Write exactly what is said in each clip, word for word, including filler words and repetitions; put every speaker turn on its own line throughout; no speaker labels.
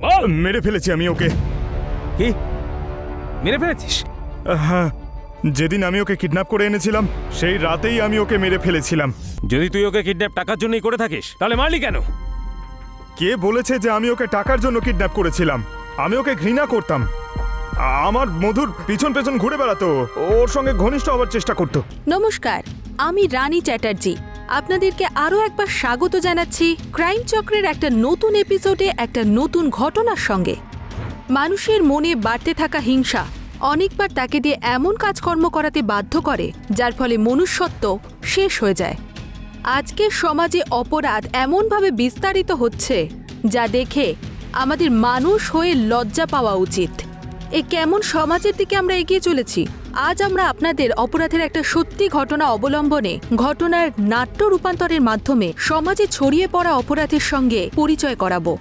মেরে ফেলেছি আমি ওকে।
কি মেরে ফেলেছিস?
হ্যাঁ, যেদিন আমি ওকে কিডন্যাপ করে এনেছিলাম সেই রাতেই আমি ওকে মেরে ফেলেছিলাম।
যদি তুই ওকে কিডন্যাপ টাকার জন্যই করে থাকিস তাহলে মারলি কেন?
কে বলেছে যে আমি ওকে টাকার জন্য কিডন্যাপ করেছিলাম? আমি ওকে ঘৃণা করতাম। আমার মধুর পিছন পেছন ঘুরে বেড়াতো, ওর সঙ্গে ঘনিষ্ঠ হওয়ার চেষ্টা করতো।
নমস্কার, আমি রানী চ্যাটার্জি। আপনাদেরকে আরও একবার স্বাগত জানাচ্ছি ক্রাইম চক্রের একটা নতুন এপিসোডে, একটা নতুন ঘটনার সঙ্গে। মানুষের মনে বাড়তে থাকা হিংসা অনেকবার তাকে দিয়ে এমন কাজকর্ম করাতে বাধ্য করে যার ফলে মনুষ্যত্ব শেষ হয়ে যায়। আজকের সমাজে অপরাধ এমনভাবে বিস্তারিত হচ্ছে যা দেখে আমাদের মানুষ হয়ে লজ্জা পাওয়া উচিত। এ কেমন সমাজের দিকে আমরা এগিয়ে চলেছি? আজ আমরা আপনাদের অপরাধের একটা সত্যি ঘটনা অবলম্বনে ঘটনার নাট্য রূপান্তরের মাধ্যমে সমাজে ছড়িয়ে পড়া অপরাধের সঙ্গে পরিচয় করাবো।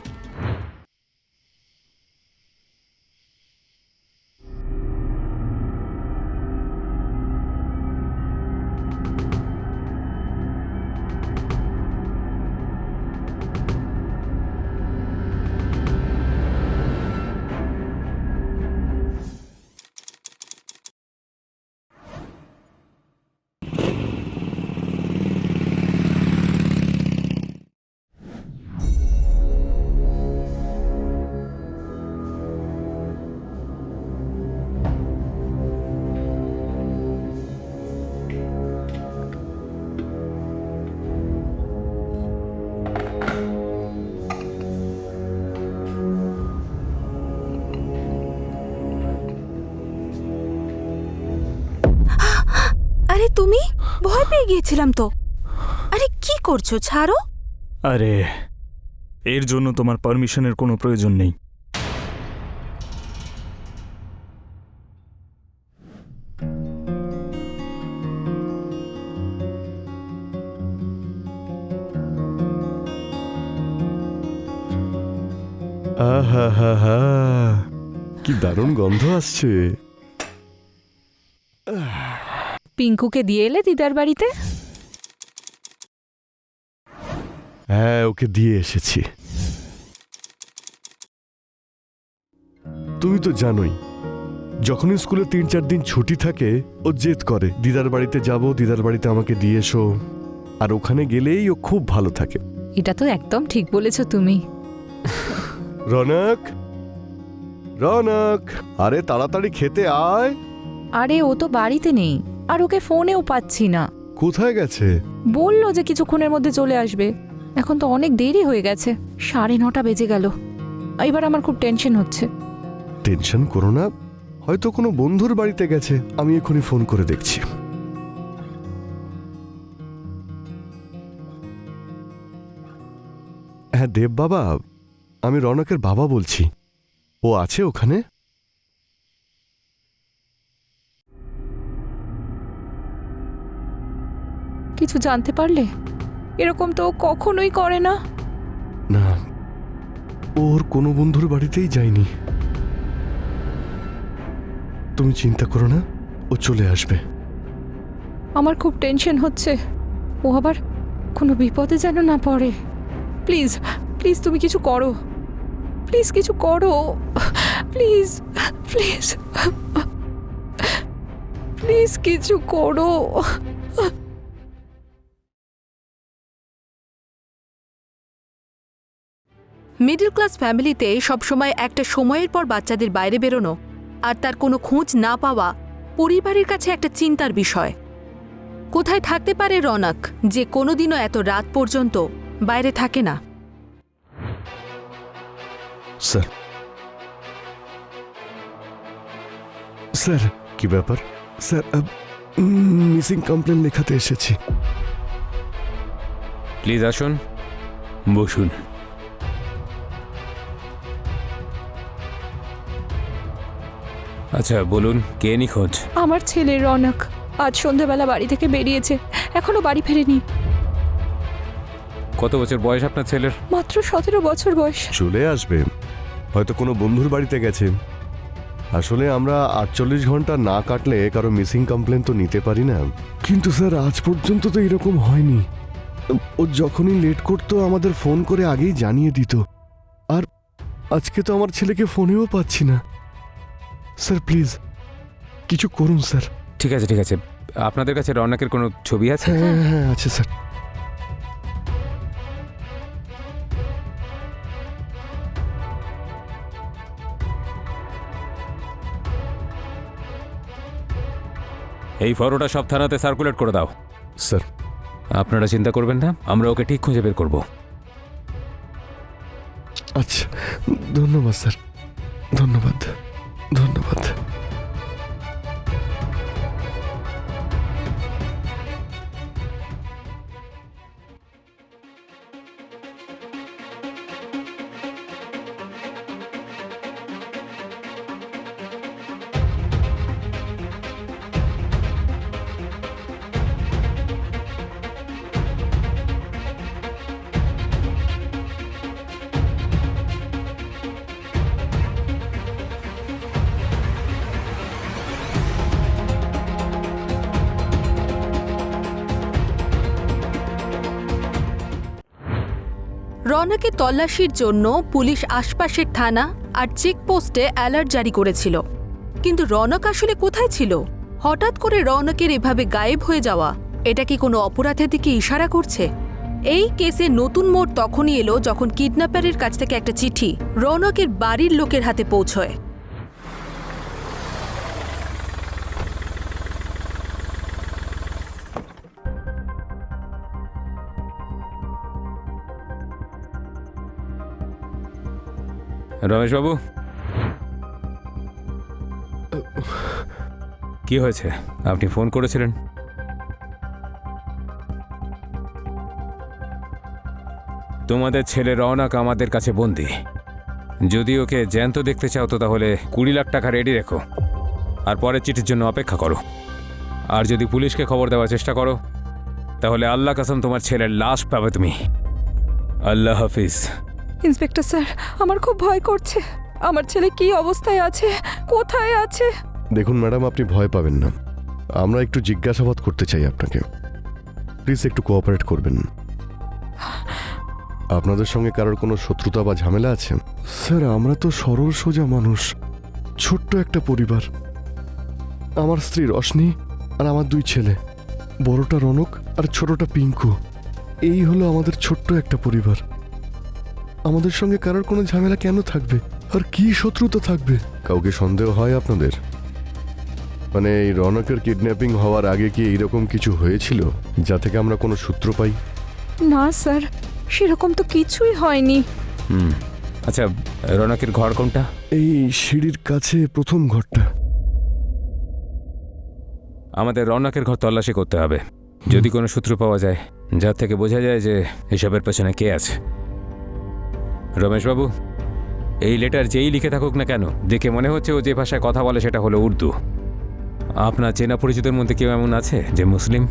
আরে তুমি? ভয় পেয়ে গিয়েছিলাম তো। আরে কি করছো? ছাড়ো।
আরে এর জন্য তোমার পারমিশনের কোনো প্রয়োজন নেই।
আহা হা হা, কি দারুণ গন্ধ আসছে।
পিঙ্কুকে দিয়ে এলে দিদার বাড়িতে?
হ্যাঁ, ওকে দিয়ে এসেছি। তুমি তো জানোই, যখনই স্কুলে তিন চার দিন ছুটি থাকে ও জেদ করে দিদার বাড়িতে যাব, দিদার বাড়িতে আমাকে দিয়ে এসো। আর ওখানে গেলেই ও খুব ভালো থাকে।
এটা তো একদম ঠিক বলেছো তুমি।
রনক, রনক, আরে তাড়াতাড়ি খেতে আয়।
আরে ও তো বাড়িতে নেই, আর ওকে ফোনেও পাচ্ছি না।
কোথায় গেছে?
বললো যে কিছুক্ষণের মধ্যে চলে আসবে। এখন তো অনেক দেরি হয়ে গেছে, সাড়ে নটা বেজে গেল। এবার আমার খুব টেনশন হচ্ছে।
টেনশন করো না, হয়তো কোনো বন্ধুর বাড়িতে গেছে। আমি এখনই ফোন করে দেখছি। হ্যাঁ দেব বাবা, আমি রনকের বাবা বলছি। ও আছে ওখানে?
কিছু জানতে পারলে? এরকম তো ও কখনোই করে না।
না, ওর কোনো বন্ধুর বাড়িতেই যায়নি। তুমি চিন্তা করো না, ও চলে আসবে।
আমার খুব টেনশন হচ্ছে, ও আবার কোনো বিপদে যেন না পড়ে। প্লিজ প্লিজ তুমি কিছু করো, প্লিজ কিছু করো, প্লিজ প্লিজ প্লিজ কিছু করো।
মিডল ক্লাস ফ্যামিলিতে সবসময় একটা সময়ের পর বাচ্চাদের বাইরে বেরোনো আর তার কোনো খোঁজ না পাওয়া পরিবারের কাছে একটা চিন্তার বিষয়। কোথায় থাকতে পারে রনক যে কোনোদিনও এত রাত পর্যন্ত বাইরে থাকে না?
স্যার, স্যার কি ব্যাপার? স্যার, মিসিং কমপ্লেন লেখাতে এসেছি।
প্লিজ আসুন, বসুন। আচ্ছা বলুন, কে নিখোঁজ?
আমার ছেলে রনক আজ সন্ধ্যাবেলা বাড়ি থেকে বেরিয়েছে, এখনো বাড়ি ফেরেনি।
কত বছর বয়স আপনার ছেলের?
মাত্র সতেরো বছর বয়স।
চলে আসবে, হয়তো কোনো বন্ধুর বাড়িতে গেছে। আসলে আমরা আটচল্লিশ ঘন্টা না কাটলে কারো মিসিং কমপ্লেন তো নিতে পারি না। কিন্তু স্যার আজ পর্যন্ত তো এরকম হয়নি। ও যখনই লেট করতো আমাদের ফোন করে আগেই জানিয়ে দিত। আর আজকে তো আমার ছেলেকে ফোনেও পাচ্ছি না। স্যার প্লিজ কিছু করুন স্যার।
ঠিক আছে ঠিক আছে, আপনাদের কাছে রৌনকের কোনো ছবি আছে?
হ্যাঁ হ্যাঁ আছে স্যার।
এই ফটোটা সব থানাতে সার্কুলেট করে দাও।
স্যার
আপনারা চিন্তা করবেন না, আমরা ওকে ঠিক খুঁজে বের করব।
আচ্ছা ধন্যবাদ স্যার, ধন্যবাদ ধন্যবাদ।
রৌনকের তল্লাশির জন্য পুলিশ আশপাশের থানা আর চেকপোস্টে অ্যালার্ট জারি করেছিল, কিন্তু রৌনক আসলে কোথায় ছিল? হঠাৎ করে রৌনকের এভাবে গায়েব হয়ে যাওয়া, এটা কি কোনো অপরাধের দিকে ইশারা করছে? এই কেসে নতুন মোড় তখনই এলো যখন কিডন্যাপারের কাছ থেকে একটা চিঠি রৌনকের বাড়ির লোকের হাতে পৌঁছয়।
রমেশবাবু, কি হয়েছে? আপনি ফোন করেছিলেন? তোমাদের ছেলে রৌনক আমাদের কাছে বন্দি। যদি ওকে জ্যান্ত দেখতে চাও তো তাহলে কুড়ি লাখ টাকা রেডি রেখো আর পরের চিঠির জন্য অপেক্ষা করো। আর যদি পুলিশকে খবর দেওয়ার চেষ্টা করো তাহলে আল্লাহ কসম তোমার ছেলের লাশ পাবে তুমি। আল্লাহ হাফিজ।
ইন্সপেক্টর স্যার, আমার খুব ভয় করছে। আমার ছেলে কি অবস্থায় আছে, কোথায় আছে?
দেখুন ম্যাডাম, আপনি ভয় পাবেন না, আমরা একটু জিজ্ঞাসাবাদ করতে চাই আপনাকে। প্লিজ একটু কোঅপারেট করবেন। আপনাদের সঙ্গে কারোর কোনো শত্রুতা বা ঝামেলা আছে? স্যার আমরা তো সরল সোজা মানুষ, ছোট্ট একটা পরিবার। আমার স্ত্রী রশনি আর আমার দুই ছেলে, বড়টা রনক আর ছোটটা পিঙ্কু। এই হলো আমাদের ছোট্ট একটা পরিবার। আমাদের সঙ্গে কারোর কোনো ঝামেলা কেন থাকবে, আর কি শত্রুতা থাকবে? কাউকে সন্দেহ হয় আপনাদের? মানে এই রনকের কিডন্যাপিং হওয়ার আগে কি এইরকম কিছু হয়েছিল যা থেকে আমরা কোনো সূত্র পাই?
না স্যার, সেরকম তো কিছুই হয়নি।
হুম, আচ্ছা রৌনকের ঘর কোনটা?
এই সিঁড়ির কাছে প্রথম ঘরটা।
আমাদের রৌনকের ঘর তল্লাশি করতে হবে, যদি কোনো সূত্র পাওয়া যায় যার থেকে বোঝা যায় যে এসবের পেছনে কে আছে। রমেশবাবু, এই লেটার যেই লিখে থাকুক না কেন, দেখে মনে হচ্ছে ও যে ভাষায় কথা বলে সেটা হলো উর্দু। আপনার চেনা পরিচিতের মধ্যে কেউ এমন আছে যে মুসলিম?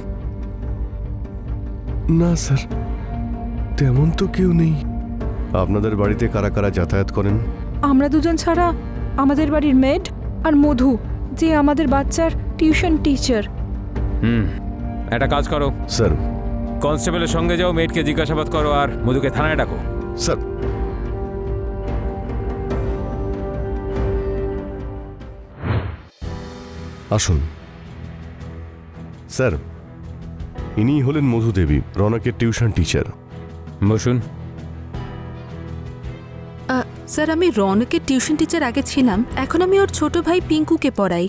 না স্যার, তেমন তো কেউ নেই। আপনাদের বাড়িতে কারা কারা যাতায়াত করেন?
আমরা দুজন ছাড়া আমাদের বাড়ির মেড আর মধু, যে আমাদের বাচ্চার টিউশন টিচার।
হুম, একটা কাজ করো,
স্যার।
কনস্টেবলের সঙ্গে যাও, মেয়েটকে জিজ্ঞাসাবাদ করো আর মধুকে থানায় ডাকো।
স্যার। আসুন স্যার, ইনি হলেন মধু দেবী, রনকের টিউশন টিচার।
বসুন।
আহ, স্যার আমি রৌনকের টিউশন টিচার আগে ছিলাম, এখন আমি ওর ছোট ভাই পিঙ্কুকে পড়াই।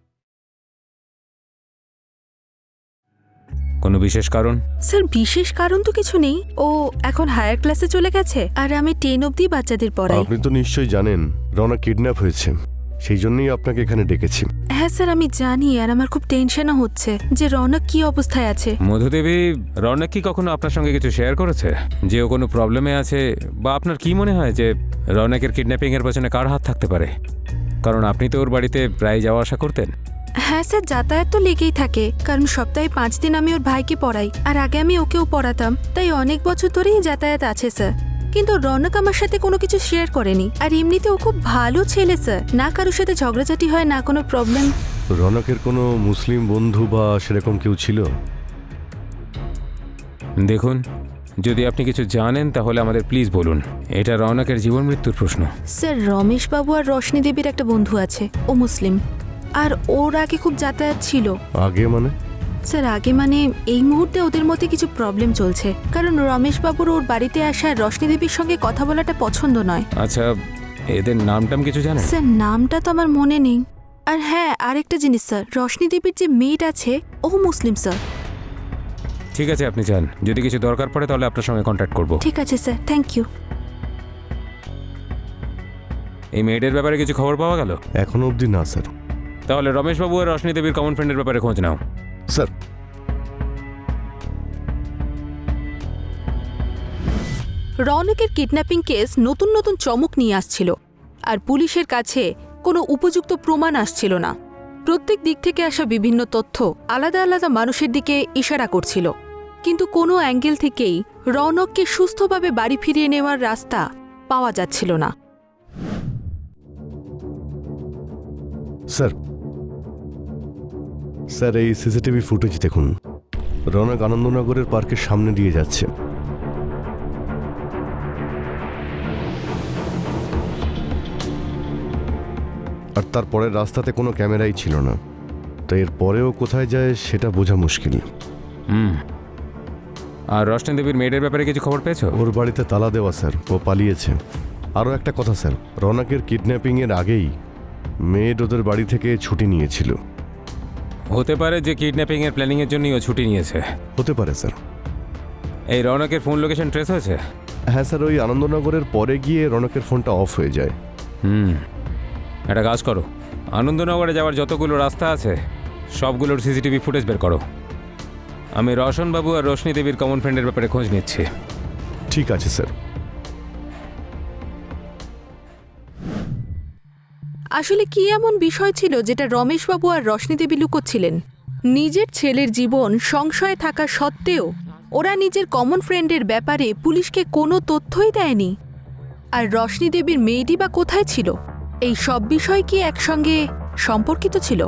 কোনো বিশেষ কারণ?
স্যার বিশেষ কারণ তো কিছু নেই, ও এখন হায়ার ক্লাসে চলে গেছে আর আমি টেন অবধি বাচ্চাদের পড়াই।
আপনি তো নিশ্চয়ই জানেন রনক কিডন্যাপ হয়েছে, সেই জন্যই আপনাকে এখানে ডেকেছি।
হ্যাঁ স্যার আমি জানি, আর আমার খুব টেনশনও হচ্ছে যে রৌনক কি অবস্থায় আছে।
মধুদেবী, রৌনক কি কখনো আপনার সঙ্গে কিছু শেয়ার করেছে যে ও কোনো প্রবলেমে আছে? বা আপনার কি মনে হয় যে রৌনকের কিডন্যাপিং এর পেছনে কার হাত থাকতে পারে? কারণ আপনি তো ওর বাড়িতে প্রায় যাওয়া আসা করতেন।
হ্যাঁ স্যার, যাতায়াত তো লেগেই থাকে, কারণ সপ্তাহে পাঁচ দিন আমি ওর ভাইকে পড়াই আর আগে আমি ওকেও পড়াতাম, তাই অনেক বছর ধরেই যাতায়াত আছে স্যার। কিন্তু রৌনক আমার সাথে কোনো কিছু শেয়ার করেনি, আর এমনিতে ও খুব ভালো ছেলে স্যার, না কারোর সাথে ঝগড়াঝাটি হয় না কোনো প্রবলেম।
রনকের কোনো মুসলিম বন্ধু বা সেরকম কেউ ছিল?
দেখুন, যদি আপনি কিছু জানেন তাহলে আমাদের প্লিজ বলুন। এটা রৌনকের জীবন মৃত্যুর প্রশ্ন।
স্যার, রমেশবাবু আর রশনি দেবীর একটা বন্ধু আছে, ও মুসলিম, আর ওর আগে খুব যাতায়াত ছিল।
আগে মানে?
স্যার, আগে মানে এই মুহূর্তে ওদের মধ্যে কিছু প্রবলেম চলছে, কারণ রমেশবাবুর ওর বাড়িতে আসা রশনি দেবীর সঙ্গে কথা বলাটা পছন্দ নয়।
আচ্ছা, এদের নামটাম কিছু জানেন?
স্যার, নামটা তো আমার মনে নেই। আর হ্যাঁ, আরেকটা জিনিস স্যার, রশনি দেবীর যে মেয়েট আছে ও মুসলিম স্যার।
ঠিক আছে, আপনি যান। যদি কিছু দরকার পড়ে তাহলে আপনার সঙ্গে কন্ট্যাক্ট করব।
ঠিক আছে স্যার, থ্যাংক ইউ।
এই মেয়েদের ব্যাপারে কিছু খবর পাওয়া গেল?
এখনো অবধি না স্যার।
তাহলে রমেশবাবু আর রশনি দেবীর কমন ফ্রেন্ডের ব্যাপারে খোঁজ নাও।
স্যার,
রৌনকের কিডন্যাপিং কেস নতুন নতুন চমক নিয়ে আসছিল, আর পুলিশের কাছে কোনো উপযুক্ত প্রমাণ আসছিল না। প্রত্যেক দিক থেকে আসা বিভিন্ন তথ্য আলাদা আলাদা মানুষের দিকে ইশারা করছিল, কিন্তু কোনো অ্যাঙ্গেল থেকেই রৌনককে সুস্থভাবে বাড়ি ফিরিয়ে নেওয়ার রাস্তা পাওয়া যাচ্ছিল না।
স্যার স্যার এই সিসিটিভি ফুটেজ দেখুন। রৌনক আনন্দনগরের পার্কের সামনে দিয়ে যাচ্ছে। আর তারপরের রাস্তাতে কোনো ক্যামেরাই ছিল না, তো এর পরেও কোথায় যায় সেটা বোঝা মুশকিল।
হুম। আর রশনি দেবীর মেয়েদের ব্যাপারে কিছু খবর পেয়েছো?
ওর বাড়িতে তালা দেওয়া স্যার, ও পালিয়েছে। আরও একটা কথা স্যার, রৌনকের কিডন্যাপিংয়ের আগেই মেয়েড ওদের বাড়ি থেকে ছুটি নিয়েছিল।
হতে পারে যে কিডন্যাপিং এর প্ল্যানিং এর জন্যই ও ছুটি নিয়েছে।
হতে পারে স্যার।
এই রৌনকের ফোন লোকেশন ট্রেস হয়েছে?
হ্যাঁ স্যার, ওই আনন্দনগরের পরে গিয়ে রৌনকের ফোনটা অফ হয়ে যায়।
হুম, একটা কাজ করো, আনন্দনগরে যাওয়ার যতগুলো রাস্তা আছে সবগুলোর সিসিটিভি ফুটেজ বের করো। আমি রোশনবাবু আর রোশনি দেবীর কমন ফ্রেন্ডের ব্যাপারে খোঁজ নিচ্ছি।
ঠিক আছে স্যার।
আসলে কি এমন বিষয় ছিল যেটা রমেশবাবু আর রশনি দেবী লুকোচ্ছিলেন? নিজের ছেলের জীবন সংশয়ে থাকা সত্ত্বেও ওরা নিজের কমন ফ্রেন্ডের ব্যাপারে পুলিশকে কোনো তথ্যই দেয়নি। আর রশনি দেবীর মেয়েটি বা কোথায় ছিল? এই সব বিষয় কি একসঙ্গে সম্পর্কিত ছিল?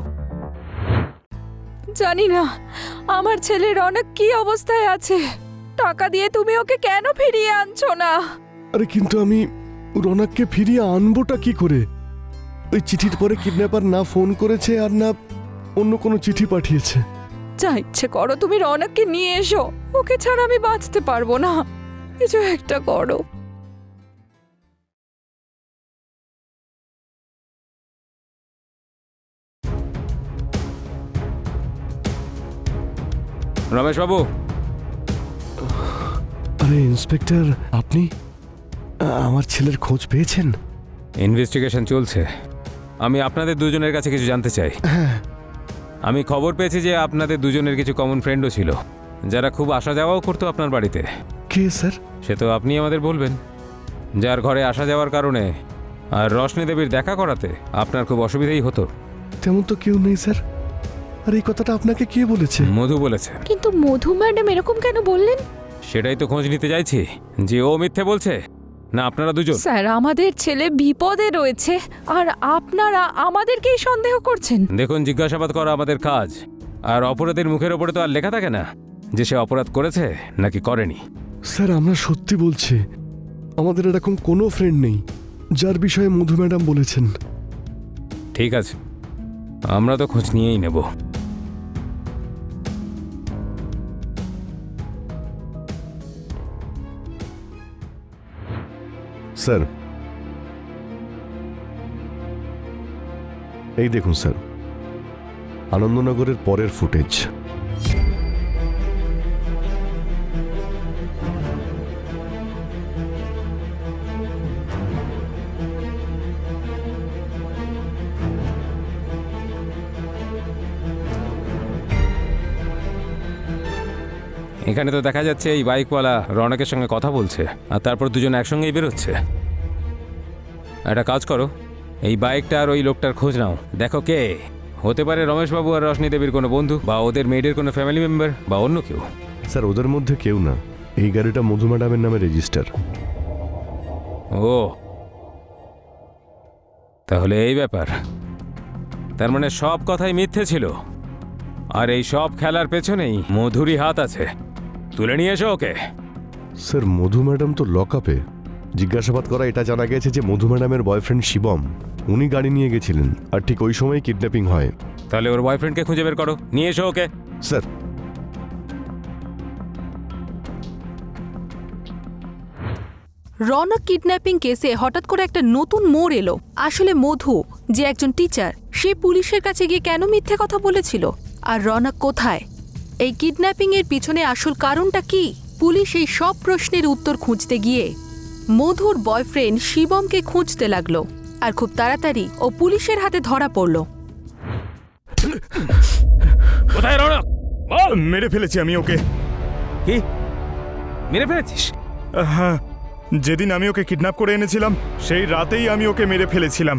জানি না আমার ছেলের অনেক কি অবস্থায় আছে। টাকা দিয়ে তুমি ওকে কেন ফিরিয়ে আনছো না?
আরে কিন্তু আমি রৌনককে ফিরিয়ে আনবোটা কি করে? ওই চিঠির পরে কিডন্যাপার না ফোন করেছে আর না অন্য কোনো চিঠি পাঠিয়েছে।
যা ইচ্ছে করো, তুমি রৌনককে নিয়ে এসো। ওকে ছাড়া আমি বাঁচতে পারবো না। কিছু একটা করো।
রমেশবাবু,
আরে ইন্সপেক্টর, আপনি আ- আমার ছেলের খোঁজ পেয়েছেন?
ইনভেস্টিগেশন চলছে। আমি আপনাদের দুজনের কাছে কিছু জানতে চাই। আমি খবর পেয়েছি যে আপনাদের দুজনের কিছু কমন ফ্রেন্ডও ছিল, যারা খুব আসা যাওয়াও করতো আপনার বাড়িতে।
কে স্যার?
সে তো আপনি আমাদের বলবেন। যার ঘরে আসা যাওয়ার কারণে আর রশনি দেবীর দেখা করাতে আপনার খুব অসুবিধাই হতো।
তেমন তো কেউ নেই স্যার। আর এই কথাটা আপনাকে কে বলেছে?
মধু বলেছে।
কিন্তু মধু ম্যাডাম এরকম কেন বললেন?
সেটাই তো খোঁজ নিতে চাইছি, যে ও মিথ্যে বলছে না আপনারা দুজন।
স্যার, আমাদের ছেলে বিপদে রয়েছে আর আপনারা আমাদেরকেই সন্দেহ করছেন।
দেখুন, জিজ্ঞাসাবাদ করা আমাদের কাজ, আর অপরাধের মুখের ওপরে তো আর লেখা থাকে না যে সে অপরাধ করেছে নাকি করেনি।
স্যার, আমরা সত্যি বলছি, আমাদের এরকম কোনো ফ্রেন্ড নেই যার বিষয়ে মধু ম্যাডাম বলেছেন।
ঠিক আছে, আমরা তো খোঁজ নিয়েই নেব।
স্যার, এই দেখুন স্যার, আনন্দনগরের পরের ফুটেজ।
এখানে তো দেখা যাচ্ছে এই বাইকওয়ালা রৌনকের সঙ্গে কথা বলছে, আর তারপর দুজন একসঙ্গেই বেরোচ্ছে। একটা কাজ করো, এই বাইকটা আর ওই লোকটার খোঁজ নাও। দেখো কে হতে পারে, রমেশবাবু আর রশনি দেবীর কোনো বন্ধু, বা ওদের মেয়েদের কোনো ফ্যামিলি মেম্বার, বা অন্য কেউ।
স্যার, ওদের মধ্যে কেউ না। এই গাড়িটা মধু ম্যাডামের নামে রেজিস্টার।
ও, তাহলে এই ব্যাপার। তার মানে সব কথাই মিথ্যে ছিল, আর এই সব খেলার পেছনেই মধুরই হাত আছে। তুলে নিয়ে এসো ওকে।
স্যার মধু ম্যাডাম তো লকআপে। জিজ্ঞাসাবাদ করা এটা জানা গেছে যে মধু ম্যাডামের বয়ফ্রেন্ড শিবম উনি গাড়ি নিয়ে গেছিলেন আর ঠিক ওই সময় কিডন্যাপিং হয়।
তাহলে ওর বয়ফ্রেন্ডকে খুঁজে বের করো, নিয়ে এসো ওকে।
স্যার
রনক কিডন্যাপিং কেসে হঠাৎ করে একটা নতুন মোড় এলো। আসলে মধু যে একজন টিচার, সে পুলিশের কাছে গিয়ে কেন মিথ্যে কথা বলেছিল, আর রনক কোথায়, এই কিডন্যাপিং এর পিছনে আসল কারণটা কি? পুলিশ এই সব প্রশ্নের উত্তর খুঁজতে গিয়ে মধুর বয়ফ্রেন্ড শিবমকে খুঁজতে লাগলো, আর খুব তাড়াতাড়ি ও পুলিশের হাতে ধরা পড়ল।
কোথায় রৌনক? বল।
মেরে ফেলেছি আমি ওকে।
কি মেরে ফেলেছিস?
হ্যাঁ, যেদিন আমি ওকে কিডন্যাপ করে এনেছিলাম সেই রাতেই আমি ওকে মেরে ফেলেছিলাম।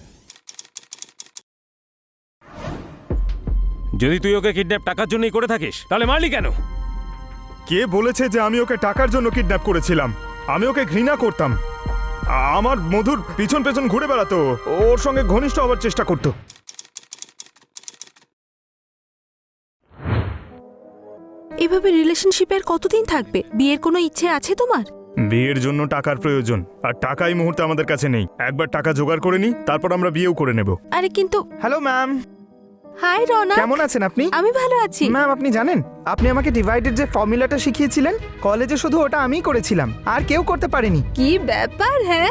যদি তুই ওকে কিডন্যাপ টাকার জন্যই করে থাকিস তাহলে মারলি কেন?
কে বলেছে যে আমি ওকে টাকার জন্য কিডন্যাপ করেছিলাম? আমি ওকে ঘৃণা করতাম। আমার মধুর পিছন পেছন ঘুরে বেড়াতো, ওর সঙ্গে ঘনিষ্ঠ হওয়ার চেষ্টা করতো।
এভাবে রিলেশনশিপে আর কতদিন থাকবে? বিয়ের কোনো ইচ্ছে আছে তোমার?
বিয়ের জন্য টাকার প্রয়োজন, আর টাকা এই মুহূর্তে আমাদের কাছে নেই। একবার টাকা জোগাড় করে নিই, তারপর আমরা বিয়েও করে নেব।
আরে কিন্তু
হ্যালো ম্যাম,
হাই রনক,
কেমন আছেন আপনি?
আমি ভালো আছি।
ম্যাম আপনি জানেন, আপনি আমাকে ডিভাইডেড যে ফর্মুলাটা শিখিয়েছিলেন কলেজে, শুধু ওটা আমিই করেছিলাম, আর কেউ করতে পারেনি।
কি ব্যাপার? হ্যাঁ,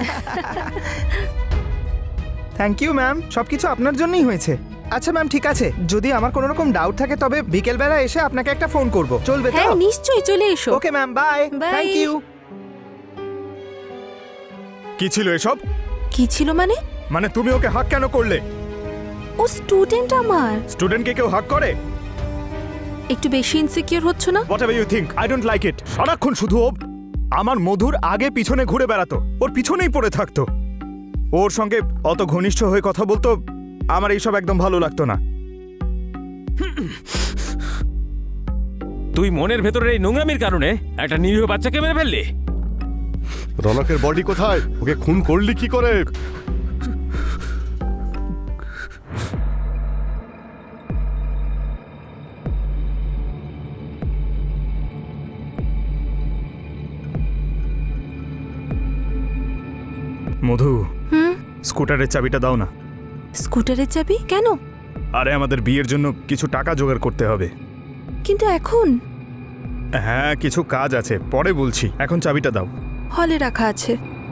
থ্যাংক ইউ ম্যাম, সবকিছু আপনার জন্যই হয়েছে। আচ্ছা ম্যাম, ঠিক আছে, যদি আমার কোনো রকম ডাউট থাকে তবে বিকেলবেলা এসে আপনাকে একটা ফোন করব, চলবে তো?
হ্যাঁ নিশ্চয়ই, চলে এসো।
Okay ma'am, bye.
Bye.
Thank you.
কি ছিল এসব?
কি ছিল মানে?
মানে তুমি ওকে হাক কেন করলে?
ও স্টুডেন্ট আমার।
স্টুডেন্টকে কেউ হাক করে?
একটু বেশি ইনসিকিউর হচ্ছ না?
Whatever you think, I don't like it. সারাক্ষণ শুধু ও আমার মধুর আগে পিছনে ঘুরে বেড়াতো, ওর পিছনেই পড়ে থাকতো, ওর সঙ্গে অত ঘনিষ্ঠ হয়ে কথা বলতো। আমার এইসব একদম ভালো লাগতো না।
তুই মনের ভেতরের এই নোংরামির কারণে একটা নিরীহ বাচ্চাকে মেরে ফেললি।
রনকের বডি কোথায়? ওকে খুন করলি কি করে?
মধু,
হুম,
স্কুটারের চাবিটা দাও না।
স্কুটারের চাবি কেন?
আরে আমাদের বিয়ের জন্য কিছু টাকা জোগাড় করতে হবে।
কিন্তু এখন
হ্যাঁ, কিছু কাজ আছে, পরে বলছি, এখন চাবিটা দাও।
হলে রাখা আছে।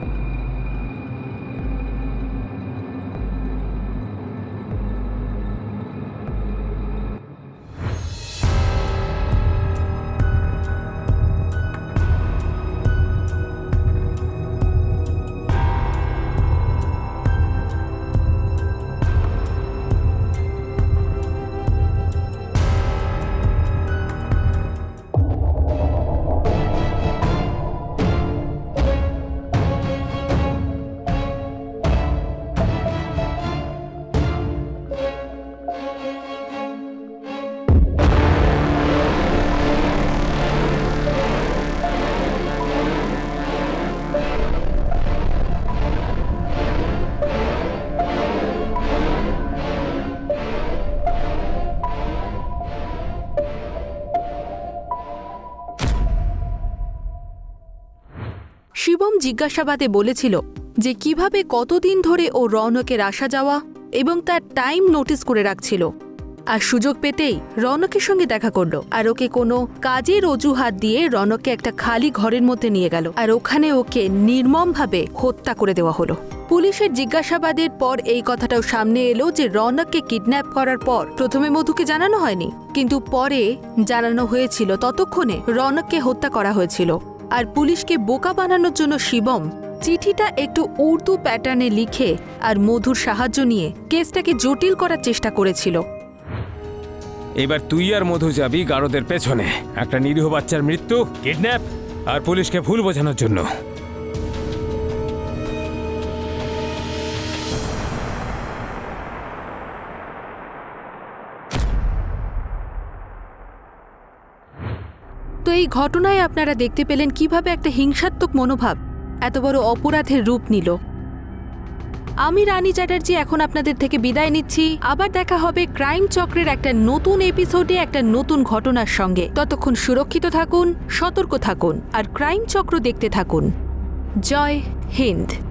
শিবম জিজ্ঞাসাবাদে বলেছিল যে কিভাবে কতদিন ধরে ও রৌনকের আসা যাওয়া এবং তার টাইম নোটিস করে রাখছিল, আর সুযোগ পেতেই রৌনকের সঙ্গে দেখা করলো, আর ওকে কোনো কাজের অজুহাত দিয়ে রৌনককে একটা খালি ঘরের মধ্যে নিয়ে গেল, আর ওখানে ওকে নির্মমভাবে হত্যা করে দেওয়া হলো। পুলিশের জিজ্ঞাসাবাদের পর এই কথাটাও সামনে এলো যে রৌনককে কিডন্যাপ করার পর প্রথমে মধুকে জানানো হয়নি, কিন্তু পরে জানানো হয়েছিল। ততক্ষণে রৌনককে হত্যা করা হয়েছিল, আর পুলিশকে বোকা বানানোর জন্য শিবম চিঠিটা একটু উর্দু প্যাটার্নে লিখে আর মধুর সাহায্য নিয়ে কেসটাকে জটিল করার চেষ্টা করেছিল।
এবার তুই আর মধু যাবি গারদের পেছনে, একটা নিরীহ বাচ্চার মৃত্যু, কিডন্যাপ আর পুলিশকে ভুল বোঝানোর জন্য।
তো এই ঘটনায় আপনারা দেখতে পেলেন কিভাবে একটা হিংসাত্মক মনোভাব এত বড় অপরাধের রূপ নিল। আমি রানী চ্যাটার্জি এখন আপনাদের থেকে বিদায় নিচ্ছি। আবার দেখা হবে ক্রাইম চক্রের একটা নতুন এপিসোডে একটা নতুন ঘটনার সঙ্গে। ততক্ষণ সুরক্ষিত থাকুন, সতর্ক থাকুন আর ক্রাইম চক্র দেখতে থাকুন। জয় হিন্দ।